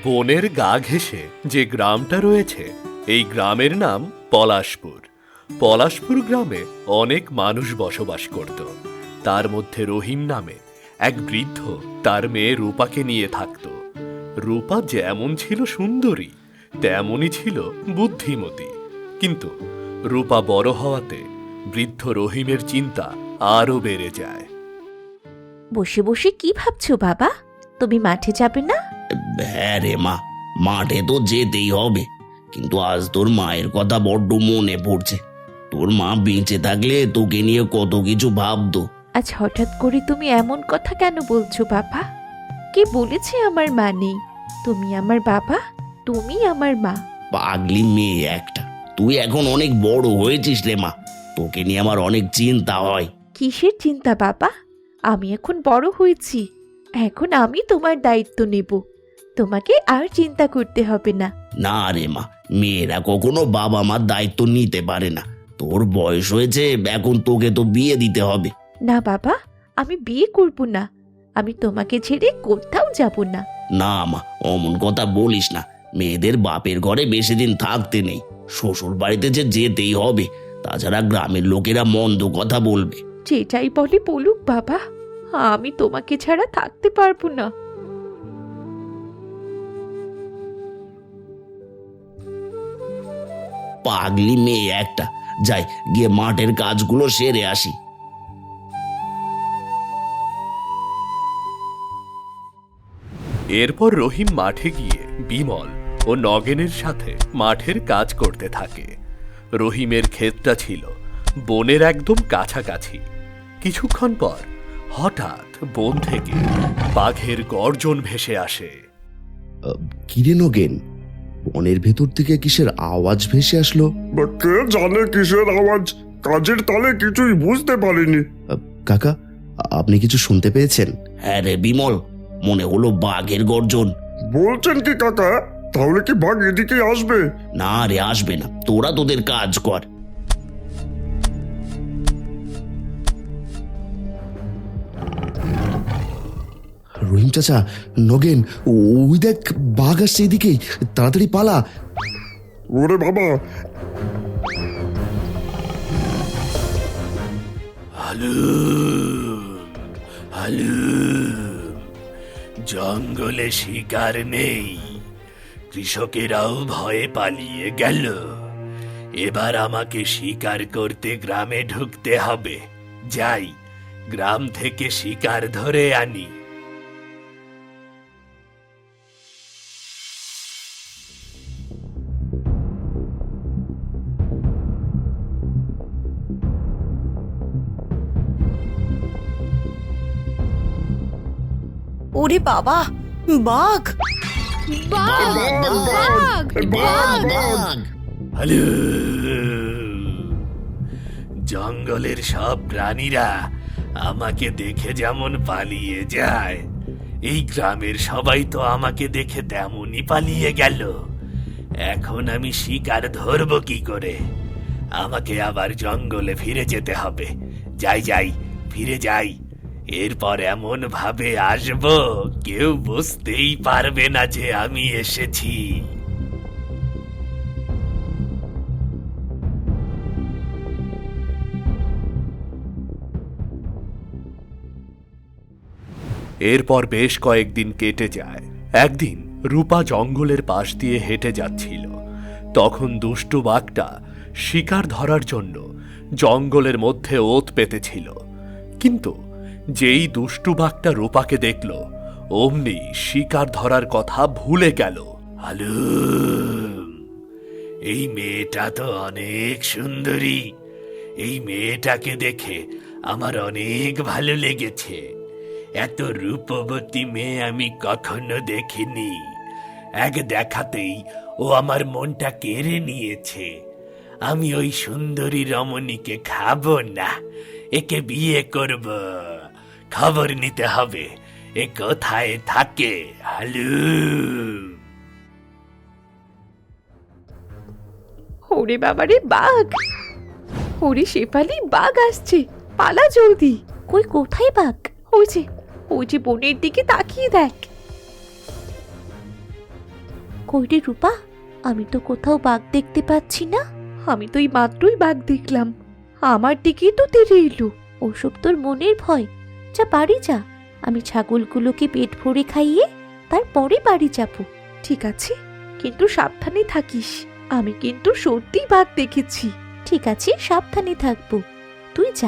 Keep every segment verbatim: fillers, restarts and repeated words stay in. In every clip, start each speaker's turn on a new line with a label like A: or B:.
A: বনের গা ঘেঁষে যে গ্রামটা রয়েছে, এই গ্রামের নাম পলাশপুর। পলাশপুর গ্রামে অনেক মানুষ বসবাস করত। তার মধ্যে রহিম নামে এক বৃদ্ধ তার মেয়ে রূপাকে নিয়ে থাকত। রূপা যেমন ছিল সুন্দরী, তেমনই ছিল বুদ্ধিমতী। কিন্তু রূপা বড় হওয়াতে বৃদ্ধ রহিমের চিন্তা আরো বেড়ে যায়।
B: বসে বসে কি ভাবছো বাবা? তুমি মাঠে যাবে না?
C: হ্যাঁ রে মা, মাঠে তো যেতেই হবে, কিন্তু আজ তোর মায়ের কথা বড্ড মনে পড়ছে। তোর মা বেঁচে থাকলে তোকে নিয়ে কত কিছু ভাবতো।
B: আজ হঠাৎ করে তুমি এমন কথা কেন বলছো বাবা? কে বলেছে আমার মা নেই? তুমি আমার বাবা, তুমি আমার মা।
C: পাগলি মেয়ে একটা, তুই এখন অনেক বড় হয়েছিস রে মা, তোকে নিয়ে আমার অনেক চিন্তা হয়।
B: কিসের চিন্তা বাবা? আমি এখন বড় হয়েছি, এখন আমি তোমার দায়িত্ব নেব। তোমাকে আর চিন্তা করতে হবে না।
C: না রে মা, মেয়েরা কখনো বাবা মার দায়িত্ব নিতে পারে না। তোর বয়স হয়েছে, এখন তোকে তো বিয়ে দিতে হবে।
B: না বাবা, আমি বিয়ে করব না। আমি তোমাকে ছেড়ে কোথাও যাব না।
C: না মা, অমন কথা বলিস না। মেয়েদের বাপের ঘরে বেশি দিন থাকতে নেই, শ্বশুর বাড়িতে যে যেতেই হবে, তাছাড়া গ্রামের লোকেরা মন্দ কথা বলবে।
B: যেটাই বলে বলুক বাবা, আমি তোমাকে ছাড়া থাকতে পারবো না।
C: পাগলি মেয়ে একটা, যাই গিয়ে মাঠের কাজগুলো সেরে আসি।
A: এরপর রহিম মাঠে গিয়ে বিমল ও নগেনের সাথে মাঠের কাজ করতে থাকে। রহিমের ক্ষেতটা ছিল বনের একদম কাছাকাছি। কিছুক্ষণ পর হঠাৎ বন থেকে বাঘের গর্জন ভেসে আসে।
D: কিরে নগেন, বনের ভেতর থেকে কিসের আওয়াজ ভেসে আসলো?
E: বা কে জানে কিসের আওয়াজ, কাজের তালে কিছুই বুঝতে পারিনি।
D: আহ, কাকা, আপনি কিছু শুনতে পেয়েছেন?
C: হ্যাঁ রে বিমল, মনে হলো বাঘের গর্জন।
E: বলছেন কি কাকা? তাহলে কি বাঘ এদিকে আসবে?
C: না রে, আসবে না, তোরা তোদের কাজ কর।
D: রহিম চাচা, নগেন, ওই দেখ বাঘ আসছে এদিকেই, তাড়াতাড়ি পালা।
E: ওরে বাবা!
A: হালু হালু, জঙ্গলে শিকার নেই, কৃষকেরাও ভয়ে পালিয়ে গেল। এবার আমাকে শিকার করতে গ্রামে ঢুকতে হবে। যাই, গ্রাম থেকে শিকার ধরে আনি।
F: ওরে বাবা, বাঘ!
E: বাঘ, বাঘ, বাঘ, বাঘ!
A: হ্যালো! জঙ্গলের সব প্রাণীরা আমাকে দেখে যেমন পালিয়ে যায়, এই গ্রামের সবাই তো আমাকে দেখে তেমনই পালিয়ে গেল। এখন আমি শিকার ধরবো কি করে? আমাকে আবার জঙ্গলে ফিরে যেতে হবে। যাই যাই, ফিরে যাই। এরপর এমন ভাবে আসবো, কেউ বুঝতেই পারবে না যে আমি এসেছি। এরপর বেশ কয়েকদিন কেটে যায়। একদিন রূপা জঙ্গলের পাশ দিয়ে হেঁটে যাচ্ছিল। তখন দুষ্টু বাঘটা শিকার ধরার জন্য জঙ্গলের মধ্যে ওত পেতেছিল। কিন্তু যেই দুষ্টু বাঘটা রূপাকে দেখল, অমনি শিকার ধরার কথা ভুলে গেল। আলু, এই মেয়েটা তো অনেক সুন্দরী। এই মেয়েটাকে দেখে আমার অনেক ভালো লেগেছে। এত রূপবতী মেয়ে আমি কখনো দেখিনি। এক দেখাতেই ও আমার মনটা কেড়ে নিয়েছে। আমি ওই সুন্দরী রমণীকে খাবো না, একে বিয়ে করব। খবর নিতে হবে, এ কোথায় থাকে। হালু!
B: ওরে বাবারে, বাঘ! ওরে শেফালি, বাঘ আসছে, পালা জলদি। কই, কোথায় বাঘ? ওই যে, ওই যে বনের দিকে তাকিয়ে দেখ। কই রে রূপা, আমি তো কোথাও বাঘ দেখতে পাচ্ছি না। আমি তো এই মাত্রই বাঘ দেখলাম, আমার দিকেই তো তেড়ে এলো। ওসব তোর মনের ভয়, যা বাড়ি যা। আমি ছাগলগুলোকে পেট ভরে খাইয়ে তারপরে বাড়ি যাব। ঠিক আছে, কিন্তু সাবধানে থাকিস। আমি কিন্তু সত্যি বাঘ দেখেছি। ঠিক আছে, সাবধানে থাকবো, তুই যা।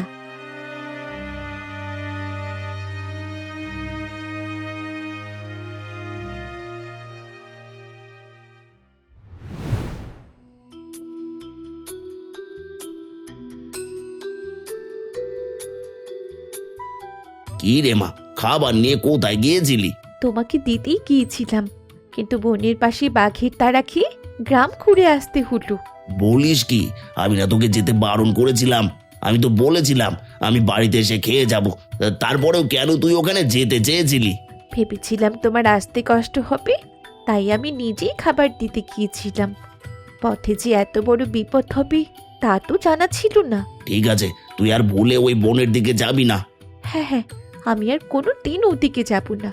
C: কি রে মা, খাবার নিয়ে কোথায় গিয়েছিলি?
B: তোমাকে দিতেই গিয়েছিলাম, কিন্তু বনের পাশে বাঘের তাড়া খেয়ে গ্রাম ঘুরে আসতে হলো।
C: বলিস কি? আমি না তোকে যেতে বারণ করেছিলাম? আমি তো বলেছিলাম আমি বাড়িতে এসে খেয়ে যাব। তারপরেও কেন তুই ওখানে যেতে চেয়েছিলি?
B: ভেবেছিলাম তোমার আসতে কষ্ট হবে, তাই আমি নিজেই খাবার দিতে গিয়েছিলাম। পথে যে এত বড় বিপদ হবে তা তো জানা ছিল না।
C: ঠিক আছে, তুই আর ভুলে ওই বনের দিকে যাবি না।
B: হ্যাঁ হ্যাঁ, আমি আর কোনো দিন ওদিকে যাব না।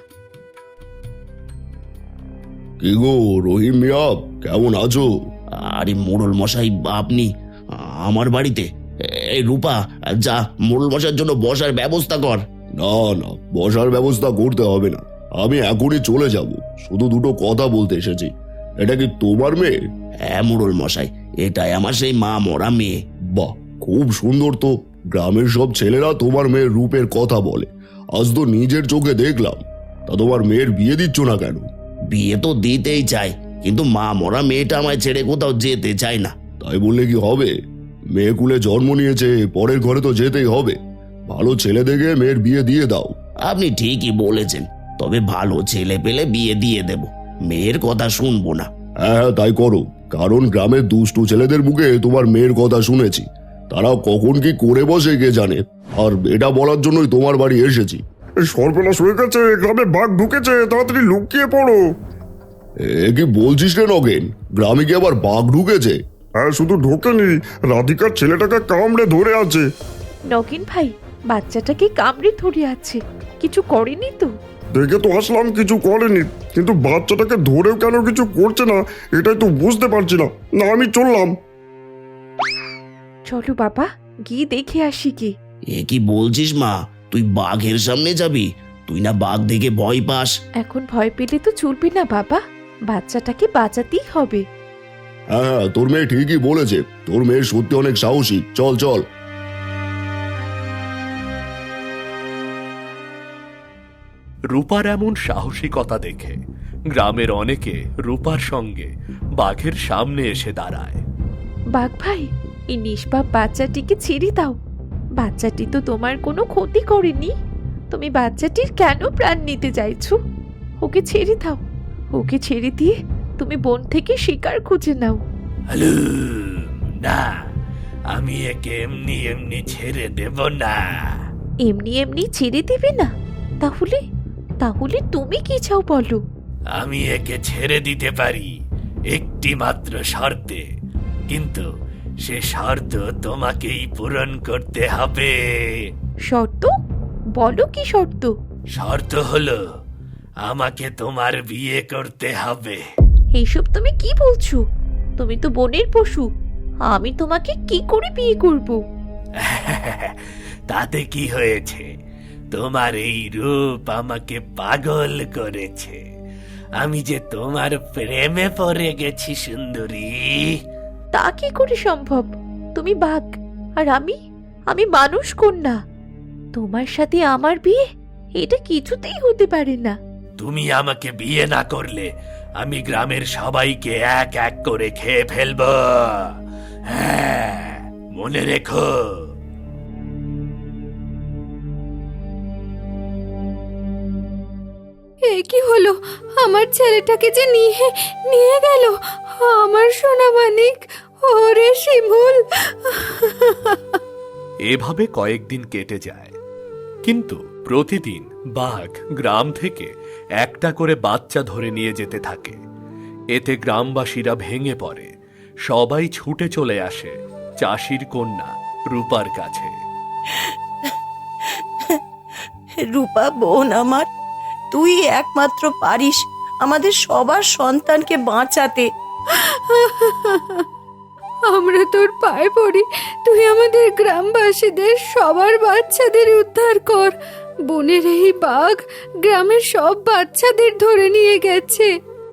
E: কি গো রহিম মিয়া, কেমন আছো?
C: আরে মোড়ল মশাই, আপনি আমার বাড়িতে? এই রূপা, যা মোড়ল মশাইয়ের জন্য বসার ব্যবস্থা কর।
E: না না, বসার ব্যবস্থা করতে হবে না, আমি এখনই চলে যাব। শুধু দুটো কথা বলতে এসেছি। এটা কি তোমার মেয়ে?
C: হ্যাঁ মোড়ল মশাই, এটাই আমার সেই মা মরা মেয়ে।
E: বাহ, খুব সুন্দর তো। গ্রামের সব ছেলেরা তোমার মেয়ের রূপের কথা বলে, আজ তো নিজের চোখে দেখলাম। তা তোমার মেয়ের বিয়ে দিচ্ছ না কেন?
C: বিয়ে তো দিতেই চাই, কিন্তু মা মরা মেয়েটা আমায় ছেড়ে কোথাও যেতে চায় না।
E: তাই বললে কি হবে? মেয়ে কুলে জন্ম নিয়েছে, পরের ঘরে তো যেতেই হবে। ভালো ছেলে দেখে মেয়ের বিয়ে দিয়ে দাও।
C: আপনি ঠিকই বলেছেন, তবে ভালো ছেলে পেলে বিয়ে দিয়ে দেব, মেয়ের কথা শুনবো না।
E: হ্যাঁ হ্যাঁ, তাই করো। কারণ গ্রামের দুষ্টু ছেলেদের মুখে তোমার মেয়ের কথা শুনেছি, তারা কখন কি করে বসে কে জানে। আর এটা বলার জন্যই তোমার বাড়ি এসেছি। সর্বনাশ হয়ে গেছে, গ্রামে বাঘ ঢুকেছে, তাড়াতাড়ি লুকিয়ে পড়ো। এ কি বলছিস রে নগেন, গ্রামে কি আবার বাঘ ঢুকেছে? হ্যাঁ, শুধু ঢোকেনি, রাধিকার ছেলেটাকে কামড়ে ধরে আছে।
B: নগেন ভাই, বাচ্চাটাকে কামড়ে ধরে আছে, কিছু করেনি তো?
E: দেখে তো আসলাম কিছু করেনি, কিন্তু বাচ্চাটাকে ধরেও কেন কিছু করছে না এটাই তো বুঝতে পারছি না। না, আমি চললাম।
B: চলো বাবা, গিয়ে দেখে আসি কি।
C: এ কি বলছিস মা, তুই বাঘের সামনে যাবি? তুই না বাঘ দেখে ভয় পাস।
B: এখন ভয় পেলে তো চলবে না বাবা, বাচ্চাটাকে বাঁচাতেই হবে।
E: হ্যাঁ হ্যাঁ, তোর মেয়ে ঠিকই বলেছে, তোর মেয়ে সত্যি অনেক সাহসী। চল চল।
A: রূপার এমন সাহসিকতা দেখে গ্রামের অনেকে রূপার সঙ্গে বাঘের সামনে এসে দাঁড়ায়।
B: বাঘ ভাই, এই নিষ্পাপ বাচ্চাটিকে ছেড়ে দাও। বাচ্চাটি তো তোমার কোনো ক্ষতি করেনি, তুমি বাচ্চাটির কেন প্রাণ নিতে চাইছো? ওকে ছেড়ে দাও, ওকে ছেড়ে দিয়ে তুমি বন থেকে শিকার খুঁজে নাও।
A: হ্যালো, না, আমি একে এমনি এমনি ছেড়ে দেব না।
B: এমনি এমনি ছেড়ে দিবে না? তাহলে তাহলে তুমি কি চাও বলো?
A: আমি একে ছেড়ে দিতে পারি একটি মাত্র শর্তে, কিন্তু সে শর্ত তোমাকেই পূরণ করতে হবে।
B: শর্ত? বলো কি শর্ত?
A: শর্ত হলো আমাকে তোমার বিয়ে করতে হবে।
B: এইসব তুমি কি বলছো? তুমি তো বনের পশু, আমি তোমাকে কি করে বিয়ে করব?
A: তাতে কি হয়েছে? তোমার এই রূপ আমাকে পাগল করেছে। আমি যে তোমার প্রেমে পড়ে গেছি সুন্দরী।
B: তা কি করে সম্ভব? তুমি বাঘ আর আমি আমি মানুষ কন্যা, তোমার সাথে আমার বিয়ে এটা কিছুতেই হতে পারে না।
A: তুমি আমাকে বিয়ে না করলে আমি গ্রামের সবাইকে এক এক করে খেয়ে ফেলবো। হ্যাঁ, মনে রেখো।
G: এ কি হলো? আমার ছেলেটাকে যে নিয়ে নিয়ে গেল আমার সোনা মানিক। ওরে শিমুল।
A: এভাবে কয়েকদিন কেটে যায়, কিন্তু প্রতিদিন বাঘ গ্রাম থেকে একটা করে বাচ্চা ধরে নিয়ে যেতে থাকে। এতে গ্রামবাসীরা ভেঙে পড়ে, সবাই ছুটে চলে আসে চাষির কন্যা রূপার কাছে।
F: রূপা বোন আমার, তুই একমাত্র পারিস আমাদের সবার সন্তানকে বাঁচাতে।
G: আমরা তোর পায়ে পড়ি, তুই আমাদের গ্রামবাসীদের সবার বাচ্চাদের উদ্ধার কর। বনের এই বাঘ গ্রামের সব বাচ্চাদের ধরে নিয়ে গেছে।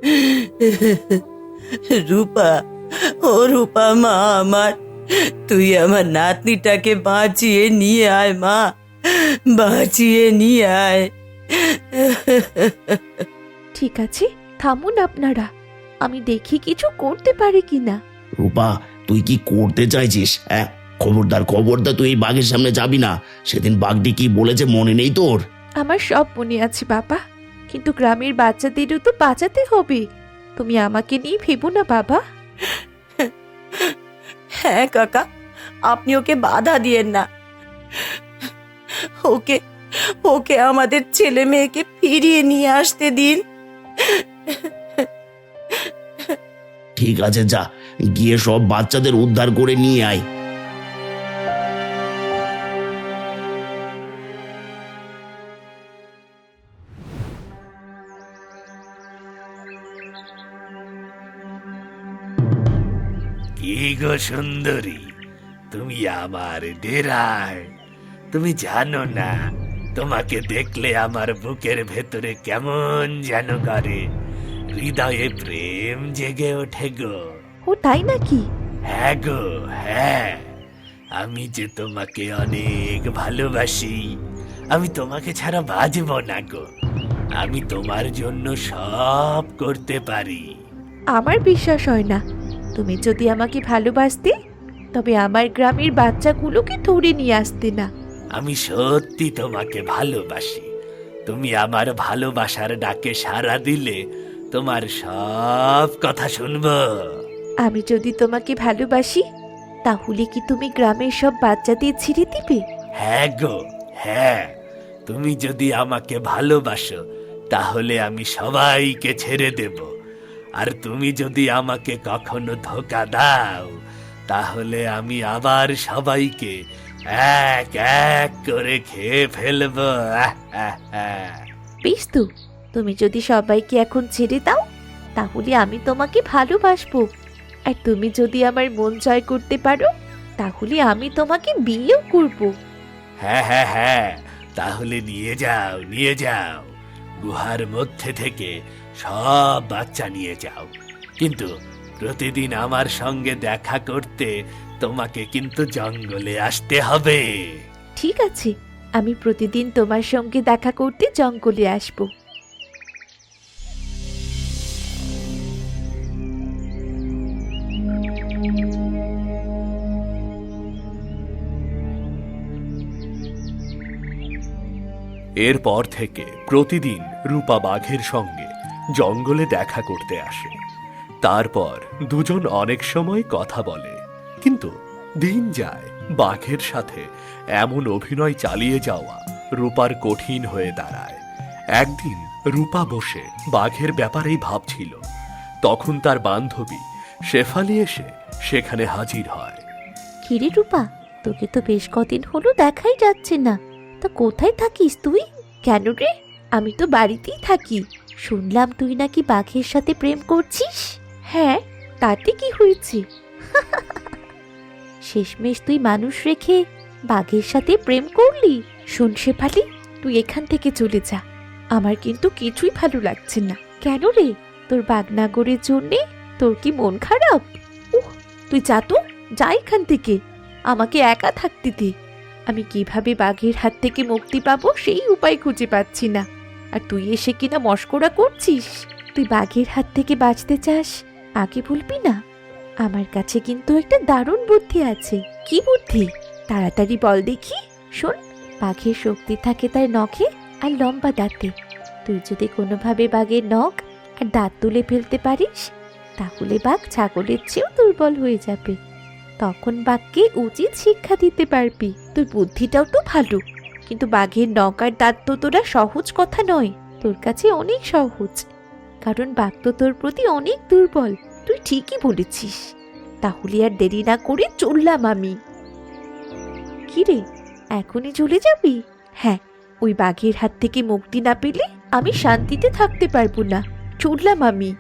F: রূপা, ও রূপা মা আমার, তুই আমার নাতনিটাকে বাঁচিয়ে নিয়ে আয় মা, বাঁচিয়ে নিয়ে আয়।
B: ঠিক আছে, থামুন আপনারা, আমি দেখি কিছু করতে পারি কিনা।
C: রূপা, তুই কি করতে চাইছিস? হ্যাঁ, খবরদার খবরদার, তুই এই বাঘের সামনে যাবি না। সেদিন বাঘটি কি বলেছে মনে নেই তোর?
B: আমার সব মনে আছে বাবা, কিন্তু গ্রামের বাচ্চাদেরও তো বাঁচাতে হবে। তুমি আমাকে নিয়ে ভেবো না বাবা।
F: হ্যাঁ কাকা, আপনি ওকে বাধা দিয়েন না। ওকে ওকে আমাদের ছেলে মেয়েকে ফিরিয়ে নিয়ে আসতে দিন।
C: ঠিক আছে, যা গিয়ে সব বাচ্চাদের উদ্ধার করে নিয়ে আয়।
A: কি গো সুন্দরী, তুমি আমার ডেরায়? তুমি জানো না, তোমাকে দেখলে আমার বুকের ভেতরে কেমন যেন করে, হৃদয়ে প্রেম জেগে ওঠে গো।
B: ও তাই নাকি?
A: হ্যাঁ গো হ্যাঁ, আমি যে তোমাকে অনেক ভালোবাসি। আমি তোমাকে ছাড়া বাঁচব না গো। আমি তোমার জন্য সব করতে পারি।
B: আমার বিশ্বাস হয় না। তুমি যদি আমাকে ভালোবাসতে, তবে আমার গ্রামের বাচ্চাগুলোকে ধরে নিয়ে আসতে না।
A: আমি সত্যি তোমাকে ভালোবাসি। তুমি আমার ভালোবাসার ডাকে সাড়া দিলে তোমার সব কথা শুনবো।
B: আমি যদি তোমাকে ভালোবাসি, তাহলে কি তুমি গ্রামের সব বাচ্চাদের ছেড়ে দিবে?
A: হ্যাঁ গো হ্যাঁ, তুমি যদি আমাকে ভালোবাসো তাহলে আমি সবাইকে ছেড়ে দেব। আর তুমি যদি আমাকে কখনো ধোঁকা দাও, তাহলে আমি আবার সবাইকে এক এক করে খেয়ে ফেলবো। আহ, আহ, আহ।
B: বেশ তো, তুমি যদি সবাইকে এখন ছেড়ে দাও, তাহলে আমি তোমাকে ভালোবাসবো। আর তুমি যদি আমার মন জয় করতে পারো, তাহলে আমি তোমাকে বিয়েও করব।
A: হ্যাঁ হ্যাঁ হ্যাঁ, তাহলে নিয়ে যাও নিয়ে যাও, গুহার মধ্যে থেকে সব বাচ্চা নিয়ে যাও। কিন্তু প্রতিদিন আমার সঙ্গে দেখা করতে তোমাকে কিন্তু জঙ্গলে আসতে হবে।
B: ঠিক আছে, আমি প্রতিদিন তোমার সঙ্গে দেখা করতে জঙ্গলে আসব।
H: এরপর থেকে প্রতিদিন রূপা বাঘের সঙ্গে জঙ্গলে দেখা করতে আসে। তারপর দুজন অনেক সময় কথা বলে, কিন্তু দিন যায়, বাঘের সাথে এমন অভিনয় চালিয়ে যাওয়া রূপার কঠিন হয়ে দাঁড়ায়। একদিন রূপা বসে বাঘের ব্যাপারেই ভাবছিল, তখন তার বান্ধবী শেফালি এসে সেখানে হাজির হয়।
B: কিরে রূপা, তোকে তো বেশ কদিন হলো দেখাই যাচ্ছে না। তা কোথায় থাকিস তুই? কেন রে? আমি তো বাড়িতেই থাকি। শুনলাম তুই নাকি বাঘের সাথে প্রেম করছিস। হ্যাঁ, তাতে কি হয়েছে? শেষমেশ তুই মানুষ রেখে বাঘের সাথে প্রেম করলি। শোন শেফালি, তুই এখান থেকে চলে যা। আমার কিন্তু কিছুই ভালো লাগছে না। কেন রে? তোর বাঘনাগরের জন্যে তোর কি মন খারাপ? উহ, তুই যা তো, যা এখান থেকে। আমাকে একা থাকতে দে। আমি কিভাবে বাঘের হাত থেকে মুক্তি পাবো সেই উপায় খুঁজে পাচ্ছি না। আর তুই এসে কিনা মস্করা করছিস। তুই বাঘের হাত থেকে বাঁচতে চাস, আগে বলবি না? আমার কাছে কিন্তু একটা দারুণ বুদ্ধি আছে। কি বুদ্ধি? তাড়াতাড়ি বল দেখি। শোন, বাঘের শক্তি থাকে তার নখে আর লম্বা দাঁতে। তুই যদি কোনোভাবে বাঘের নখ আর দাঁত তুলে ফেলতে পারিস, তাহলে বাঘ ছাগলের চেয়েও দুর্বল হয়ে যাবে। তখন বাঘকে উচিত শিক্ষা দিতে পারবি। তোর বুদ্ধিটাও তো ভালো, কিন্তু বাঘের নখ আর দাঁত তো তোরা সহজ কথা নয়। তোর কাছে অনেক সহজ, কারণ বাঘ তো তোর প্রতি অনেক দুর্বল। তুই ঠিকই বলেছিস। তাহলে আর দেরি না করে চললাম আমি। কি রে, এখনই চলে যাবি? হ্যাঁ, ওই বাঘের হাত থেকে মুক্তি না পেলে আমি শান্তিতে থাকতে পারবো না। চললাম আমি।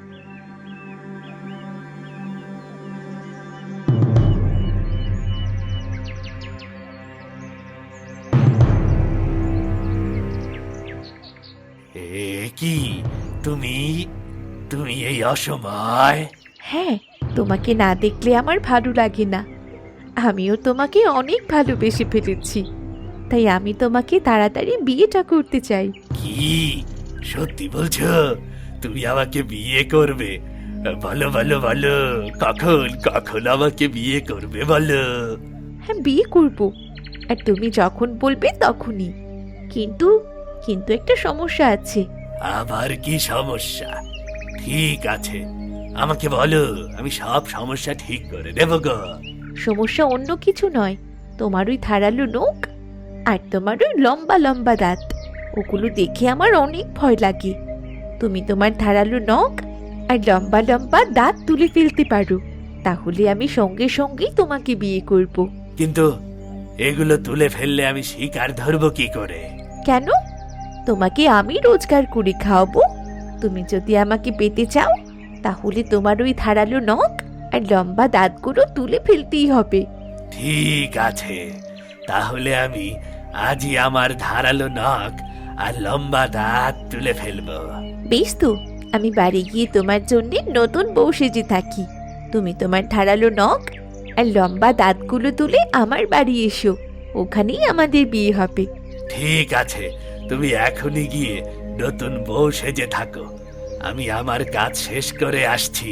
A: এ কি তুমি তুমি এই অসময়?
B: হ্যাঁ, তোমাকে না দেখলে আমার ভালো লাগে না। আমিও তোমাকে অনেক ভালোবেসে ফেলেছি, তাই আমি তোমাকে তাড়াতাড়ি বিয়েটা করতে চাই।
A: কি সত্যি বলছো? তুমি আমাকে বিয়ে করবে? বলো বলো বলো, কখন কখন আমাকে বিয়ে করবে বলো?
B: হ্যাঁ, বিয়ে করব, আর তুমি যখন বলবে তখনই। কিন্তু কিন্তু একটা সমস্যা আছে।
A: আবার কি সমস্যা? ঠিক আছে, আমাকে বলো, আমি সব সমস্যা ঠিক করে দেব গো।
B: সমস্যা অন্য কিছু নয়, তোমার ওই ধারালো নখ আর তোমার ওই লম্বা লম্বা দাঁত, ওগুলো দেখে আমার অনেক ভয় লাগে। তুমি তোমার ধারালো নখ আর লম্বা লম্বা দাঁত তুলে ফেলতে পারো, তাহলে আমি সঙ্গে সঙ্গেই তোমাকে বিয়ে করব।
A: কিন্তু এগুলো তুলে ফেললে আমি শিকার ধরবো কি করে?
B: কেন? তোমাকে আমি রোজগার করে খাওয়াবো। তুমি যদি আমাকে পেতে চাও, তাহলে তোমার ওই ধারালো নখ আর লম্বা দাঁতগুলো তুলে ফেলতেই হবে।
A: ঠিক আছে, তাহলে আমি আজই আমার ধারালো নখ আর লম্বা দাঁত তুলে ফেলবো।
B: বেশ তো, আমি বাড়ি গিয়ে তোমার জন্য নতুন বউ সেজে থাকি। তুমি তোমার ধারালো নখ আর লম্বা দাঁতগুলো তুলে আমার বাড়ি এসো, ওখানেই আমাদের বিয়ে হবে।
A: ঠিক আছে, তুমি এখনই গিয়ে নতুন বউ সেজে থাকো, আমি আমার কাজ শেষ করে আসছি।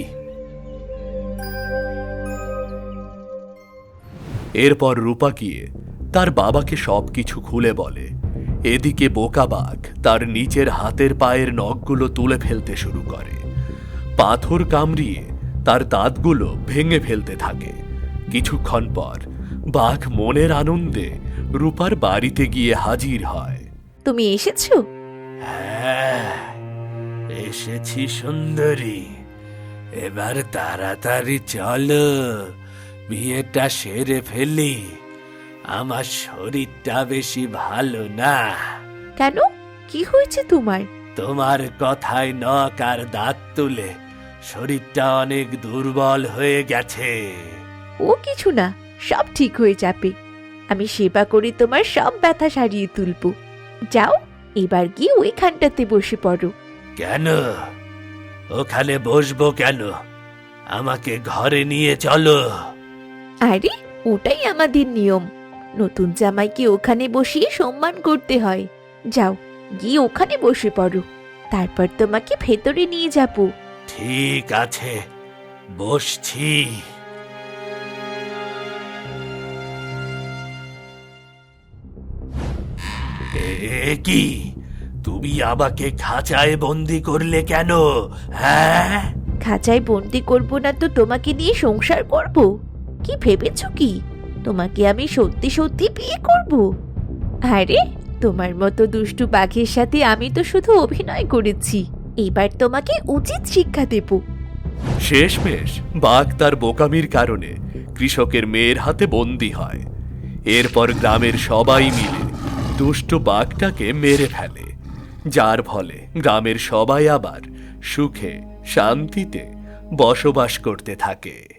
H: এরপর রূপা গিয়ে তার বাবাকে সবকিছু খুলে বলে। এদিকে বোকা বাঘ তার নিচের হাতের পায়ের নখগুলো তুলে ফেলতে শুরু করে। পাথর কামড়িয়ে তার দাঁতগুলো ভেঙে ফেলতে থাকে। কিছুক্ষণ পর বাঘ মনের আনন্দে রূপার বাড়িতে গিয়ে হাজির হয়।
B: তুমি এসেছো?
A: হ্যাঁ, এসেছি সুন্দরী। এবার তাড়াতাড়ি চলো, বিয়েটা সেরে ফেলি। আমার শরীরটা বেশি ভালো না।
B: কেন, কি হয়েছে তোমার?
A: তোমার কথায় নখ আর দাঁত তুলে শরীরটা অনেক দুর্বল হয়ে গেছে।
B: ও কিছু না, সব ঠিক হয়ে যাবে। আমি সেবা করে তোমার সব ব্যথা সারিয়ে তুলবো। যাও, এবার গিয়ে ওইখানটাতে বসে পড়ো।
A: কেন? ওখানে বসবো কেন? আমাকে ঘরে নিয়ে চলো।
B: আরে, ওটাই আমাদের নিয়ম। নতুন জামাইকে ওখানে বসিয়ে সম্মান করতে হয়। যাও, গিয়ে ওখানে বসে পড়ো, তারপর তোমাকে ভেতরে নিয়ে যাবো।
A: ঠিক আছে, বসছি। এ কি, তুমি আমাকে খাঁচায় বন্দি করলে কেন? হ্যাঁ,
B: খাঁচায় বন্দি করব না তো তোমাকে নিয়ে সংসার করব? কি ভেবেছো কি তোমাকে আমি সত্যি সত্যি বিয়ে করব? আরে, তোমার মতো দুষ্টু বাঘের সাথে আমি তো শুধু অভিনয় করেছি। এবার তোমাকে উচিত শিক্ষা দেব।
H: শেষমেশ বাঘ তার বোকামির কারণে কৃষকের মেয়ের হাতে বন্দী হয়। এরপর গ্রামের সবাই মিলে দুষ্ট বাঘটাকে মেরে ফেলে, যার ফলে গ্রামের সবাই আবার সুখে শান্তিতে বসবাস করতে থাকে।